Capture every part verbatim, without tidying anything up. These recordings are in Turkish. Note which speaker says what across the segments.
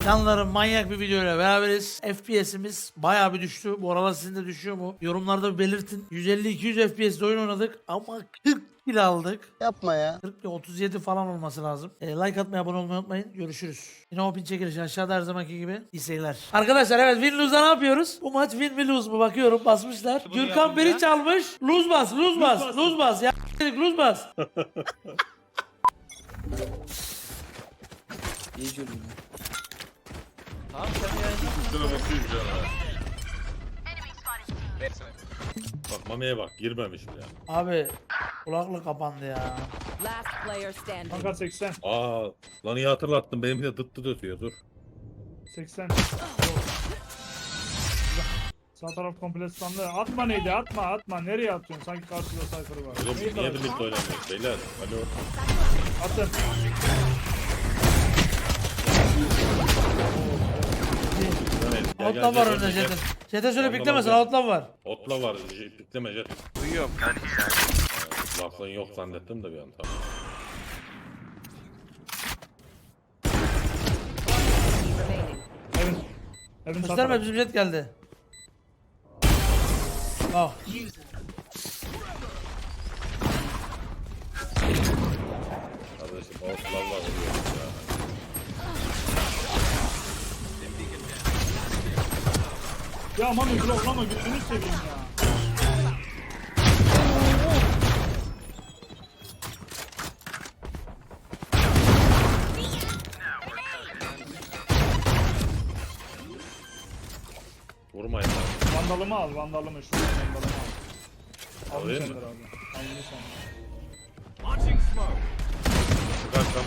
Speaker 1: Canlarım manyak bir videoyla beraberiz. F P S'imiz bayağı bir düştü. Bu aralar sizin de düşüyor mu? Yorumlarda bir belirtin. yüz elli iki yüz F P S'de oyun oynadık ama kırk kill aldık.
Speaker 2: Yapma ya.
Speaker 1: kırk otuz yedi falan olması lazım. E, like atmayı, abone olmayı unutmayın. Görüşürüz. Yine o pin çekilişi aşağıda her zamanki gibi. İyi seyirler. Arkadaşlar evet win lose'a ne yapıyoruz? Bu maç win mi lose mu bakıyorum, basmışlar. Gürkan beri çalmış. Lose bas, lose bas, lose bas. Ya lose bas.
Speaker 2: İyi gördüm.
Speaker 3: Tamam sen yayınla.
Speaker 4: Üstüne bakıyor canına. Bak Mami'ye bak girmemiş bile.
Speaker 1: Abi kulaklık kapandı ya.
Speaker 5: Last player standing.
Speaker 6: Kanka seksen.
Speaker 4: Aa lan iyi hatırlattın benim de dıt dıt ötüyor dur.
Speaker 6: seksen. Sağ taraf komple standı. Atma neydi? Atma atma. Nereye atıyorsun? Sanki karşıda sayfırı var.
Speaker 4: Oğlum
Speaker 6: Neyi
Speaker 4: niye
Speaker 6: taraf-
Speaker 4: birlikte oynamıyoruz beyler? Alo.
Speaker 6: Attım.
Speaker 4: Gel, gel,
Speaker 1: Outlaw var
Speaker 4: gel,
Speaker 1: önünde
Speaker 4: gel, gel.
Speaker 1: Jet'in. Jet'e söyle
Speaker 4: Ondan
Speaker 1: beklemesin,
Speaker 4: alacağım.
Speaker 1: outlaw var.
Speaker 4: Otla var pikleme jet.
Speaker 3: Duyuyorum.
Speaker 4: Lafın yok zannettim de bir an tamam.
Speaker 5: Remaining.
Speaker 6: Evin. Evin sağ
Speaker 1: Gösterme,
Speaker 6: tarafı.
Speaker 1: bizim Jet geldi. Ah.
Speaker 4: Kardeşim otlarla vuruyoruz ya.
Speaker 6: Ya aman bloklama gözünü seveyim ya.
Speaker 4: Vurmayın lan.
Speaker 6: Vandalımı al, vandalımı. Şu vandalımı al. Alın
Speaker 4: Alayım
Speaker 6: sen
Speaker 4: mı?
Speaker 6: abi. Alın sen.
Speaker 4: Çıkarsam.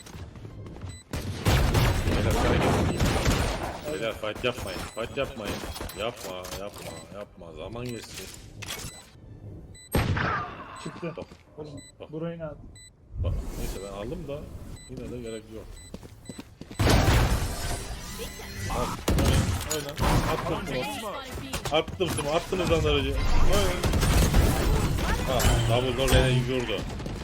Speaker 4: Beyler sana gel. Beyler fight yapmayın. Fight yapmayın. Yapma yapma yapma. Zaman geçti.
Speaker 6: Çıktı.
Speaker 4: Bak,
Speaker 6: Oğlum,
Speaker 4: bak.
Speaker 6: burayı ne at?
Speaker 4: bak. Neyse ben aldım da yine de gerek yok. Al. Oyna. Attım smoke. Attım smoke. Attınız lan aracı. Oyna. Ha, double door beni yürüdü.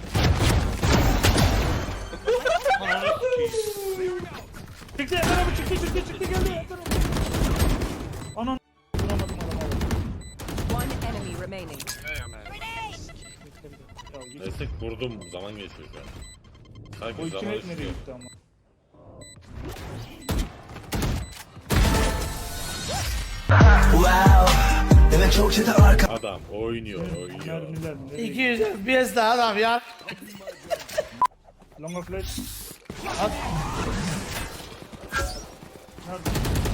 Speaker 6: Çıktı Ender abi çıktı çıktı çıktı geldi Ender abi. Anan vuramadım adamı.
Speaker 5: One enemy remaining.
Speaker 6: Ya git.
Speaker 4: Neyse kurdum. Zaman geçiyor şu an.
Speaker 6: O
Speaker 4: Sanki
Speaker 6: iki
Speaker 4: zaman
Speaker 6: net nereye
Speaker 4: istiyor.
Speaker 6: gitti ama.
Speaker 4: Adam oynuyor oynuyor.
Speaker 6: Mermiler nereye
Speaker 1: iki yüz F P S daha adam ya.
Speaker 6: Longa flash.
Speaker 1: At.
Speaker 6: Nerede?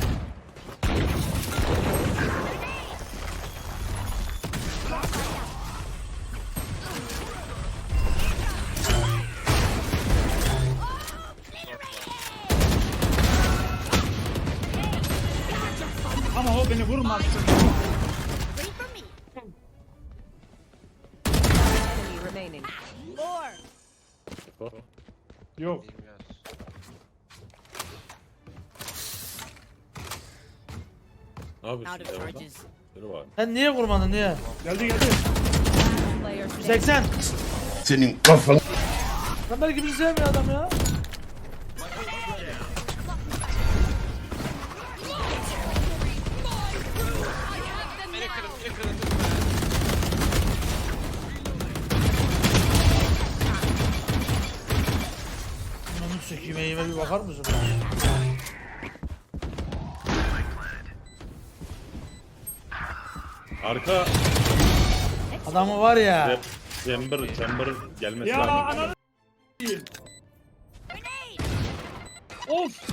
Speaker 6: Ama o beni vurmaz.
Speaker 5: Enemy remaining.
Speaker 6: Yok.
Speaker 4: Ne yapıyorsun ya orada? Biri var.
Speaker 1: Sen niye vurmadın niye?
Speaker 6: Geldi geldi.
Speaker 5: Player standing.
Speaker 1: seksen.
Speaker 2: Senin kafan.
Speaker 1: Lan belki bizi sevmiyor adam ya. Ananı çekeyim, eğime bir bakar mısın?
Speaker 4: Arka
Speaker 1: Adamı var ya.
Speaker 4: chamber chamber gelmesi
Speaker 6: Ya
Speaker 4: lazım.
Speaker 6: ananı s**eyim. Of.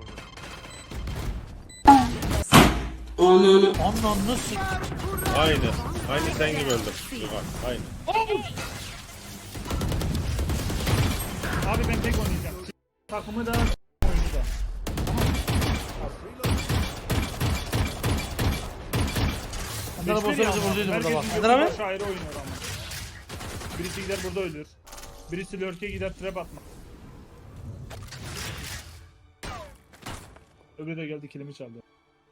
Speaker 1: Ananı sik.
Speaker 4: Aynı. Aynı sen gibi öldüm. Bak aynı.
Speaker 6: Of. Abi ben tek oynayacağım. Takımı da oynayacağım.
Speaker 1: Ender abi olsa bizi vurduydu burada bak. Ender
Speaker 6: Ender
Speaker 1: abi.
Speaker 6: Şairi oynuyor ama. Birisi gider burada ölür. Birisi lurk'e gider trap atma. Öbürü de geldi kilimi çaldı.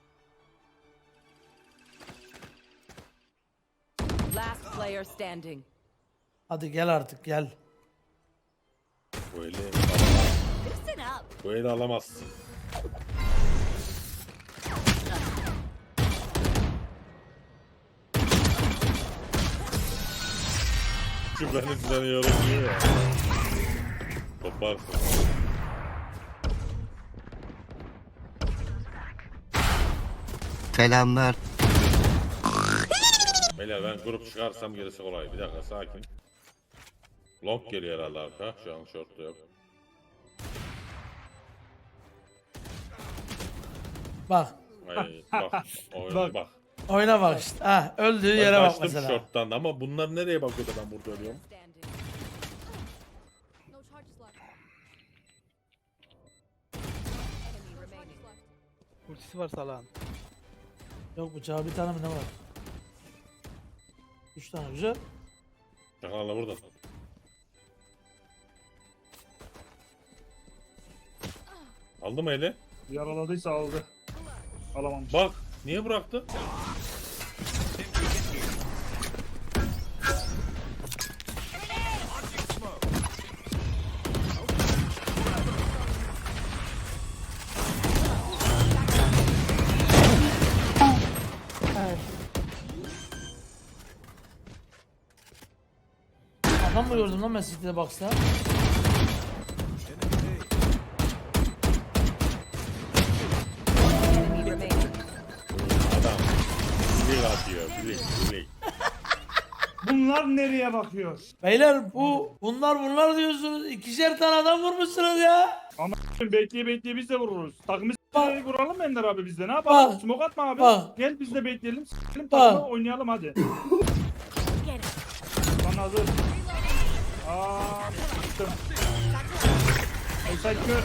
Speaker 5: Last player standing.
Speaker 1: Hadi gel artık gel.
Speaker 4: Bu eli alamaz. Bu eli alamazsın. beni seni yorumluyor ya. Toparsın.
Speaker 2: Selamlar.
Speaker 4: Beyler ben grup çıkarsam gerisi kolay. Bir dakika sakin. Long geliyor herhalde arka. Şu an short'ta yok.
Speaker 1: Bak.
Speaker 4: Ay, bak. Oyuna
Speaker 6: Bak.
Speaker 4: bak.
Speaker 1: Oyuna bak işte. Ha, öldüğü
Speaker 4: Ben
Speaker 1: yere bak
Speaker 4: kaçtım
Speaker 1: mesela.
Speaker 4: short'tan ama bunlar nereye bakıyor da ben burada ölüyorum?
Speaker 5: Standing.
Speaker 7: No charges left.
Speaker 5: Enemy remaining.
Speaker 3: Ultisi var salağın.
Speaker 1: Yok bıçağı bir tane mi ne var? Üç tane güzel.
Speaker 4: Çakalala burada. Aldı mı eli?
Speaker 6: Yaraladıysa aldı. Alamamış.
Speaker 4: Bak niye bıraktı?
Speaker 1: Adam mı gördüm lan ben City'de Box'ta?
Speaker 5: Enemy remaining.
Speaker 4: Adam. Bilik atıyor. Bilik. Bilik.
Speaker 6: Bunlar nereye bakıyor?
Speaker 1: Beyler bu bunlar bunlar diyorsunuz. İkişer tane adam vurmuşsunuz ya.
Speaker 6: Ama bekleye bekleye biz de vururuz. Takımı
Speaker 1: Bak.
Speaker 6: s***leri vuralım Ender abi biz de. Ne yapalım?
Speaker 1: Bak.
Speaker 6: Smoke atma abi.
Speaker 1: Bak.
Speaker 6: Gel biz de bekleyelim. S***lim
Speaker 1: Bak.
Speaker 6: takımı oynayalım hadi. Lan hazır. Aaa s***tım. Aysel kör.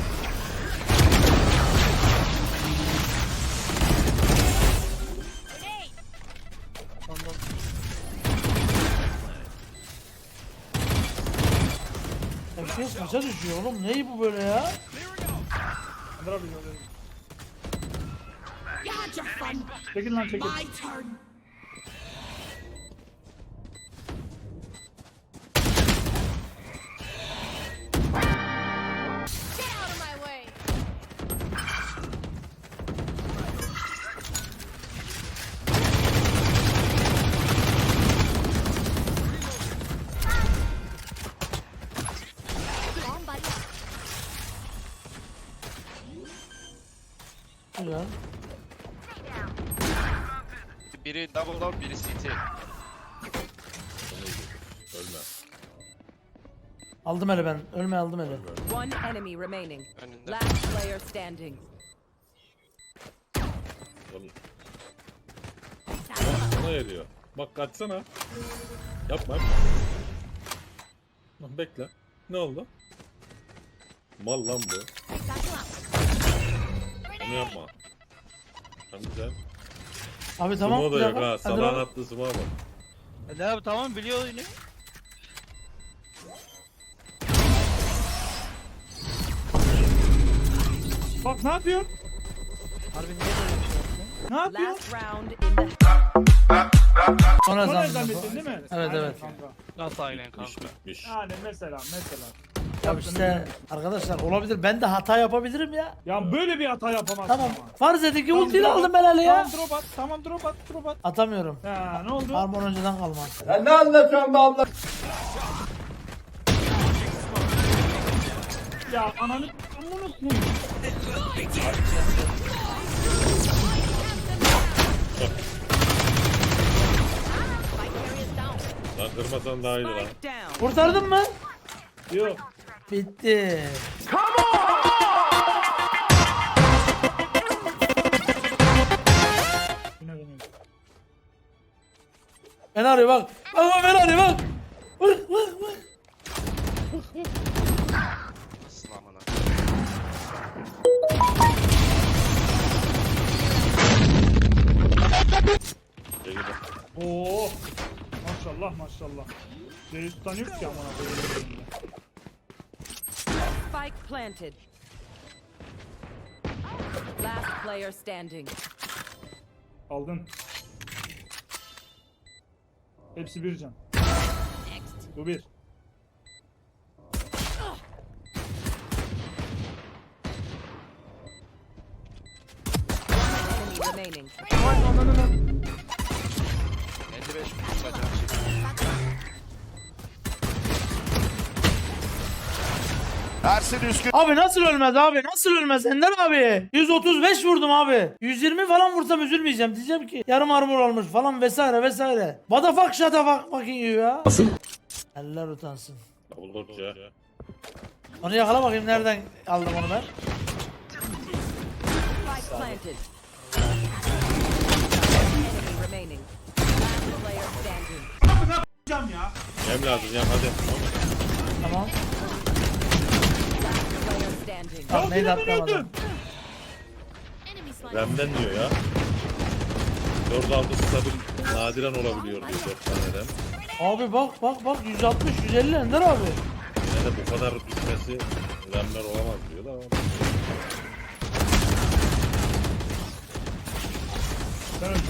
Speaker 1: Herkes maça düşüyor oğlum. Neyi bu böyle ya?
Speaker 6: Ender abi öyle. Çekil lan çekil.
Speaker 7: Get out of my way. Bomb buddy.
Speaker 1: Güzel.
Speaker 8: Biri double door, biri city.
Speaker 4: Ölme.
Speaker 1: Aldım hele ben. Ölme aldım hele.
Speaker 5: One enemy remaining.
Speaker 8: Önünde.
Speaker 5: Last player standing.
Speaker 4: Oğlum. Sana geliyor. Bak kaçsana. Yapma yapma. Lan bekle. Ne oldu? Mal lan bu. Onu yapma. Tamam güzel.
Speaker 1: Abi tamam.
Speaker 4: Sumo
Speaker 1: bir
Speaker 4: da yok
Speaker 1: dakika.
Speaker 4: ha.
Speaker 1: Hadi
Speaker 4: Salağın
Speaker 1: bak.
Speaker 4: attığı sumo bak.
Speaker 3: Hadi abi tamam biliyor oyunu.
Speaker 6: Bak ne yapıyor?
Speaker 3: Harbi niye böyle bir şey yaptın?
Speaker 6: Ne yapıyor?
Speaker 5: Last round in the
Speaker 1: Sonra
Speaker 6: Sonra
Speaker 1: zannettim.
Speaker 6: zannettin değil mi?
Speaker 1: Evet,
Speaker 6: Aynen
Speaker 1: evet.
Speaker 6: kanka.
Speaker 3: Nasıl aynen kanka?
Speaker 4: İş bitmiş.
Speaker 6: Yani mesela mesela.
Speaker 1: Ya işte arkadaşlar olabilir. Ben de hata yapabilirim ya.
Speaker 6: Ya böyle bir hata yapamazsın
Speaker 1: Tamam.
Speaker 6: ama.
Speaker 1: Farz edin ki
Speaker 6: Tamam,
Speaker 1: ultiyle
Speaker 6: drop at.
Speaker 1: aldım ben hele ya.
Speaker 6: Tamam drop at. Tamam drop at. Drop at.
Speaker 1: Atamıyorum.
Speaker 6: Ya ne oldu?
Speaker 1: Armor önceden kalma.
Speaker 6: Ya ananı amına koyayım.
Speaker 4: Lan kırmasan daha iyiydi lan.
Speaker 5: spike down.
Speaker 1: Kurtardın mı?
Speaker 6: Yok.
Speaker 1: Bitti.
Speaker 6: Yine dönüyor.
Speaker 1: Ben arıyor bak. Bak bak ben arıyor bak. Bak bak bak.
Speaker 8: Nasıl amına?
Speaker 4: Gel gel.
Speaker 6: Oo. Maşallah maşallah. Ceyiz tutanıyor ki amına koyayım.
Speaker 5: Spike planted. Last player standing.
Speaker 6: Aldın. Hepsi bir can. Bu bir.
Speaker 5: Enemy remaining.
Speaker 8: elli beş vursa can çekti.
Speaker 2: Ersin Üskün.
Speaker 1: Abi nasıl ölmez abi? Nasıl ölmez Ender abi? yüz otuz beş vurdum abi. yüz yirmi falan vursam üzülmeyeceğim. Diyeceğim ki yarım armor olmuş falan vesaire vesaire. What the fuck shut the fuck fucking you ya. Nasıl? Eller utansın.
Speaker 4: Double door C.
Speaker 1: Onu yakala bakayım nereden aldım onu ben.
Speaker 5: Spike planted. Enemy remaining. Last player standing.
Speaker 6: Cam ya.
Speaker 4: Yem lazım yem hadi.
Speaker 1: Tamam.
Speaker 5: Last player standing.
Speaker 1: Tamam neydi atlamadım.
Speaker 7: Enemy sniper.
Speaker 4: Rem'den diyor ya. dört altı stabil nadiren olabiliyor diyor dört tane rem.
Speaker 1: Abi bak bak bak yüz altmış yüz elli Ender abi.
Speaker 4: Yine de bu kadar düşmesi remler olamaz diyor da.
Speaker 6: Sen öldün.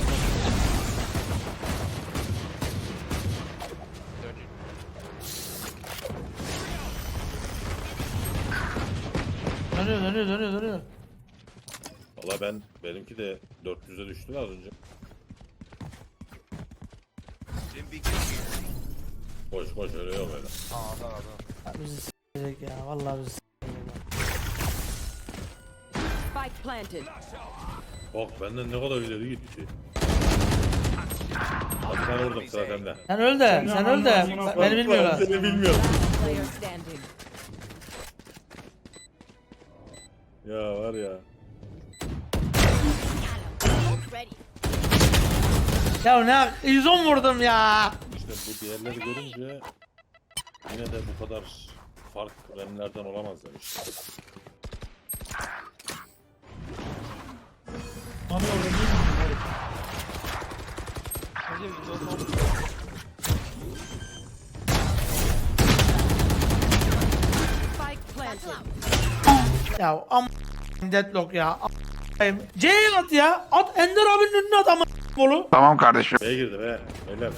Speaker 1: Dönüyor dönüyor dönüyor dönüyor.
Speaker 4: Valla ben benimki de dört yüze düştü az önce. Koş koş öyle yok öyle.
Speaker 1: Ya bizi s**ecek ya vallahi bizi s**ecek ya.
Speaker 5: Spike planted.
Speaker 4: Bak benden ne kadar ileri gitti. Hadi ben vurdum sıra sende.
Speaker 1: Sen öl de sen öl de
Speaker 6: Sen-
Speaker 1: beni bilmiyorlar.
Speaker 4: Seni bilmiyorum.
Speaker 5: Player standing.
Speaker 4: Ya var ya.
Speaker 7: Ready.
Speaker 1: Ya ne yüz on vurdum ya.
Speaker 4: İşte bu diğerleri görünce yine de bu kadar fark remlerden olamaz demiş.
Speaker 6: Mami orada değil mi?
Speaker 3: Hacı bir de olmaz.
Speaker 5: Spike planted.
Speaker 1: Ya am deadlock ya. am- C'ye at ya. At Ender abinin önüne at ama bolu.
Speaker 4: B'ye girdi be. Beyler.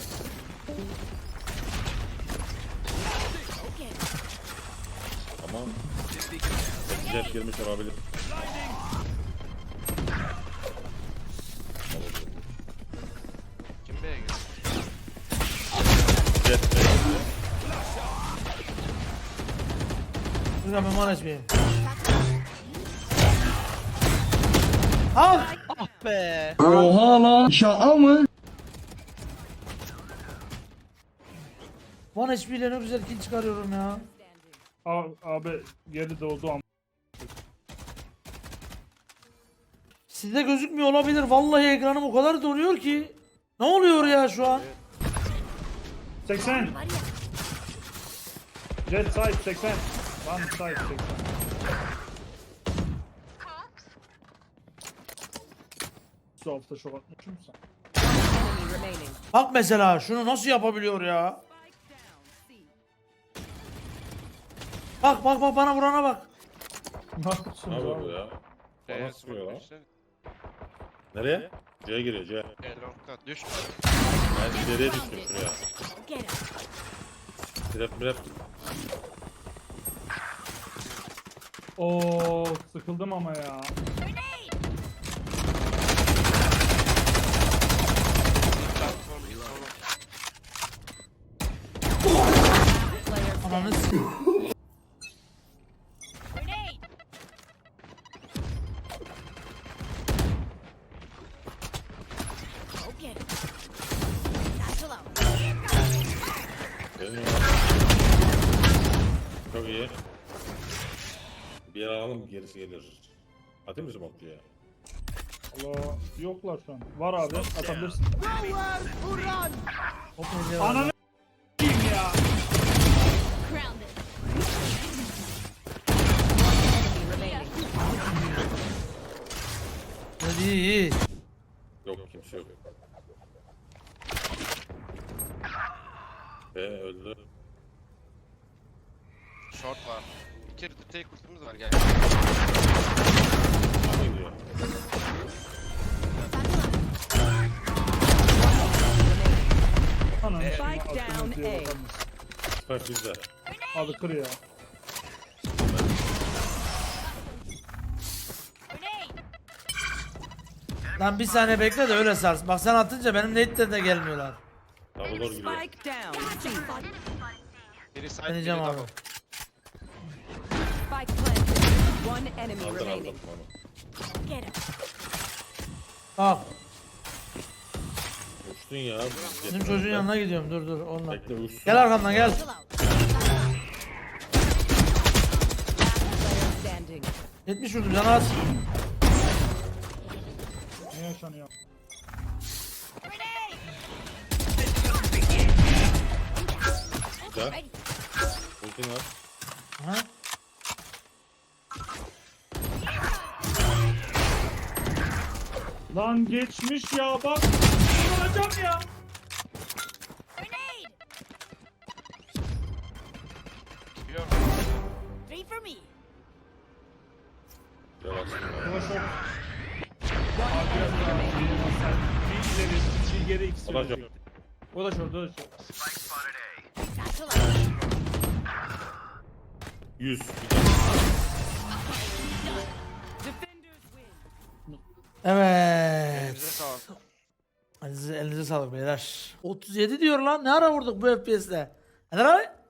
Speaker 4: Tamam. Jet girmiş olabilir.
Speaker 8: Kim B'ye girdi?
Speaker 4: Jet B'ye girdi.
Speaker 1: Dur ben manaj bir. Al.
Speaker 3: Ah be.
Speaker 1: One H P ile ne güzel kill çıkarıyorum ya.
Speaker 6: Abi, abi geri doğdu ama.
Speaker 1: Sizde gözükmüyor olabilir. Vallahi ekranım o kadar donuyor ki. Ne oluyor ya şu an?
Speaker 6: seksen. Jet side seksen. One side seksen. Su hafta şok atmışım sen.
Speaker 5: Enemy remaining.
Speaker 1: Bak mesela şunu nasıl yapabiliyor ya? Bak bak bak bana vurana bak.
Speaker 6: Ne yapıyorsun
Speaker 4: Ne yapıyor bu
Speaker 6: abi?
Speaker 4: ya?
Speaker 8: B'ye
Speaker 4: Bana sıkıyor lan.
Speaker 8: işte.
Speaker 4: Nereye? C'ye giriyor C.
Speaker 8: E long'da düş.
Speaker 4: Ben ileriye düştüm şuraya.
Speaker 7: Get him.
Speaker 4: Trap trap.
Speaker 6: Oo sıkıldım ama ya.
Speaker 5: Player
Speaker 1: Ananı
Speaker 5: standing.
Speaker 1: s-
Speaker 7: Grenade. Go get him. Satchel out.
Speaker 4: Benim ya. Çok iyi. Bir yer alalım gerisi gelir. Atayım mı smoke ya?
Speaker 6: Allah yoklar şu an. Var abi atabilirsin.
Speaker 1: Hop nece var?
Speaker 6: Ananı s**eyim ya.
Speaker 7: Grounded.
Speaker 5: Enemy remaining.
Speaker 1: Hadi iyi iyi.
Speaker 4: Yok kimse yok. E öldü.
Speaker 8: Short var. Bir kere de tek kurtumuz var gel.
Speaker 4: Ne gidiyor?
Speaker 6: Ananı s**eyim,
Speaker 5: Spike
Speaker 6: aklımız
Speaker 5: down
Speaker 6: diye
Speaker 5: A.
Speaker 6: bakar mısın?
Speaker 4: Spike bizde.
Speaker 6: Abi kır ya.
Speaker 7: Grenade.
Speaker 1: Lan bir saniye bekle de öyle sars. Bak sen atınca benim nate'den de gelmiyorlar.
Speaker 4: Double door giriyor.
Speaker 5: Spike down. C.
Speaker 8: Biri side biri
Speaker 1: Deneyeceğim abi.
Speaker 8: double.
Speaker 5: Spike planted. One enemy
Speaker 4: Aldır
Speaker 5: remaining.
Speaker 4: aldır onu.
Speaker 7: Get him.
Speaker 1: Bak
Speaker 4: Uçtun ya.
Speaker 1: bizim çocuğun yanına gidiyorum dur dur onunla.
Speaker 4: Bekle uçsun.
Speaker 1: Gel arkamdan gel.
Speaker 7: Chill out.
Speaker 5: Player standing.
Speaker 1: yetmiş vurdum canı az.
Speaker 6: Ne yaşanıyor?
Speaker 4: Güzel. Ultin var.
Speaker 1: Aha.
Speaker 6: Lan geçmiş ya bak. Vuracağım ya.
Speaker 7: Grenade.
Speaker 8: Biliyorum.
Speaker 7: Three for me.
Speaker 4: Yavaş.
Speaker 6: Yavaş ol.
Speaker 5: One enemy remaining.
Speaker 6: Bir ileri, bir geri ikisi.
Speaker 4: Alacağım.
Speaker 6: yok. O da şurada, o da şurada.
Speaker 7: Satchel out.
Speaker 4: yüz.
Speaker 5: Defenders win.
Speaker 1: Evet.
Speaker 8: Elinize sağlık.
Speaker 1: Elinize, elinize sağlık beyler. otuz yedi diyor lan. Ne ara vurduk bu F P S'te? Hadi abi.